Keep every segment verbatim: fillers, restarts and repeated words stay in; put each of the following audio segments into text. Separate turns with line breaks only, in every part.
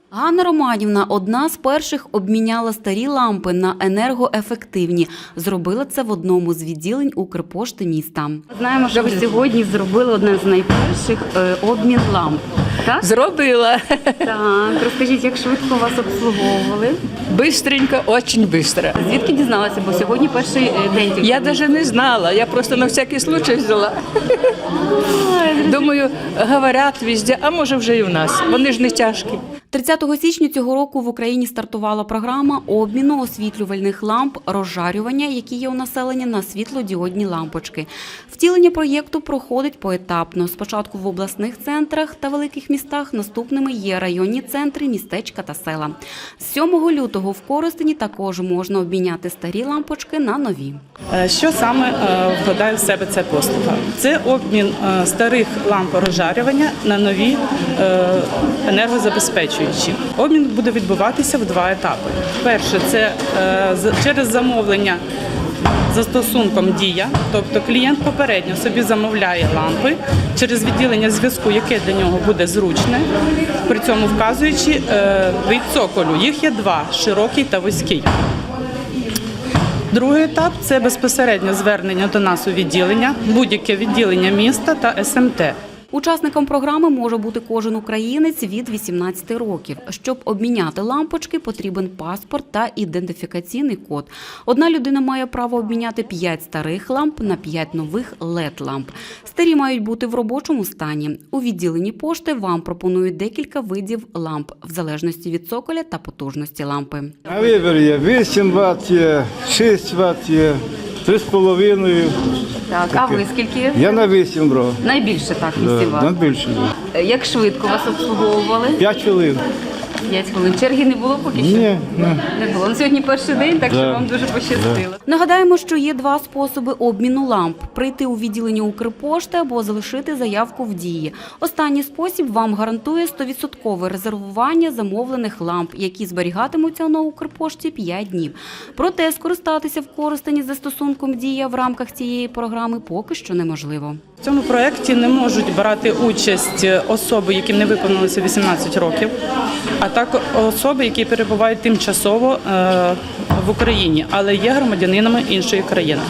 Ганна Романівна одна з перших обміняла старі лампи на енергоефективні. Зробила це в одному з відділень Укрпошти міста. Знаємо, що ви сьогодні зробили один з найперших е, обмін ламп. Так?
Зробила.
Так. Розкажіть, як швидко вас обслуговували?
Бистренько, дуже швидко.
Звідки дізналася? Бо сьогодні перший е, день.
Я навіть не знала, я просто на всякий случай взяла. Думаю, говорять везде, а може вже і в нас. Вони ж не тяжкі.
тридцятого січня цього року в Україні стартувала програма обміну освітлювальних ламп розжарювання, які є у населення, на світлодіодні лампочки. Втілення проєкту проходить поетапно. Спочатку в обласних центрах та великих містах, наступними є районні центри, містечка та села. З сьомого лютого в Коростені також можна обміняти старі лампочки на нові.
Що саме вкладає в себе ця послуга? Це обмін старих ламп розжарювання на нові енергозабезпечуючі. Обмін буде відбуватися в два етапи. Перше – це через замовлення застосунком «Дія», тобто клієнт попередньо собі замовляє лампи через відділення зв'язку, яке для нього буде зручне, при цьому вказуючи вид цоколю. Їх є два – широкий та вузький. Другий етап – це безпосередньо звернення до нас у відділення, будь-яке відділення міста та ес ем те.
Учасником програми може бути кожен українець від вісімнадцяти років. Щоб обміняти лампочки, потрібен паспорт та ідентифікаційний код. Одна людина має право обміняти п'ять старих ламп на п'ять нових лед-ламп. Старі мають бути в робочому стані. У відділенні пошти вам пропонують декілька видів ламп, в залежності від цоколя та потужності лампи.
На вибір є вісім ватт, є шість ватт, є три з половиною.
Так, а ви скільки?
Я на вісім брав.
Найбільше так,
Да,
вісім ватт.
найбільше.
Як швидко вас обслуговували?
П'ять хвилин.
П'ять хвилин. Черги не було поки що?
Ні, ні.
Не було. Ну, сьогодні перший день, так що
Да.
вам дуже пощастило. Нагадаємо, що є два способи обміну ламп – прийти у відділення Укрпошти або залишити заявку в Дії. Останній спосіб вам гарантує сто відсотків резервування замовлених ламп, які зберігатимуться на Укрпошті п'ять днів. Проте скористатися в Коростені застосунком «Дія» в рамках цієї програми поки що неможливо.
В цьому проєкті не можуть брати участь особи, яким не виповнилося вісімнадцять років, а також особи, які перебувають тимчасово в Україні, але є громадянинами іншої країни.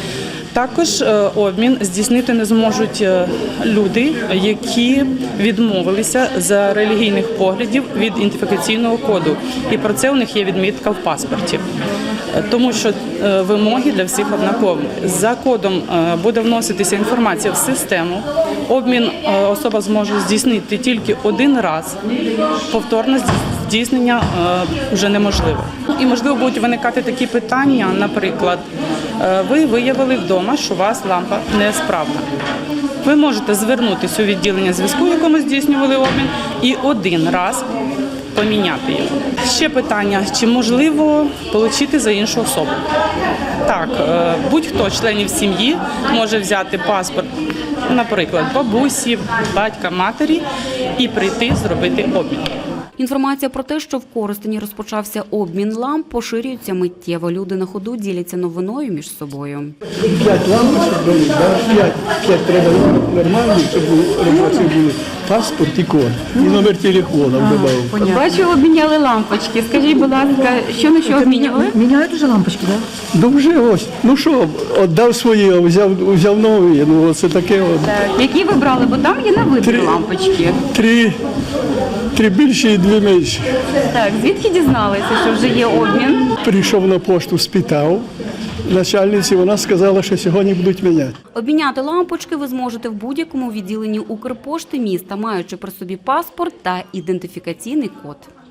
Також обмін здійснити не зможуть люди, які відмовилися за релігійних поглядів від ідентифікаційного коду. І про це у них є відмітка в паспорті. Тому що вимоги для всіх однакові. За кодом буде вноситися інформація в систему. Обмін особа зможе здійснити тільки один раз. Повторне здійснення вже неможливо. І, можливо, будуть виникати такі питання, наприклад, ви виявили вдома, що у вас лампа несправна. Ви можете звернутися у відділення зв'язку, якому здійснювали обмін, і один раз поміняти його. Ще питання, чи можливо отримати за іншу особу? Так, будь-хто з членів сім'ї може взяти паспорт, наприклад, бабусі, батька, матері і прийти зробити обмін.
Інформація про те, що в Коростені розпочався обмін ламп, поширюється миттєво. Люди на ходу діляться новиною між собою.
П'ять лампочок були, да? п'ять, п'ять треба нормальні, щоб робочі були. Паспорт і код, і номер телефону додав.
Бачу, обміняли лампочки. Скажіть, будь ласка, що на що обмінювали?
Міняють уже лампочки, так?
Ну вже ось, ну що, віддав свої, взяв, взяв нові, ну це таке от.
Які ви брали? Бо там є на вибір
Три.
лампочки.
Три, три більші і дві менші.
Так, звідки дізналися, що вже є обмін?
Прийшов на пошту, спитав. Начальниці, вона сказала, що сьогодні будуть міняти.
Обміняти лампочки ви зможете в будь-якому відділенні Укрпошти міста, маючи при собі паспорт та ідентифікаційний код.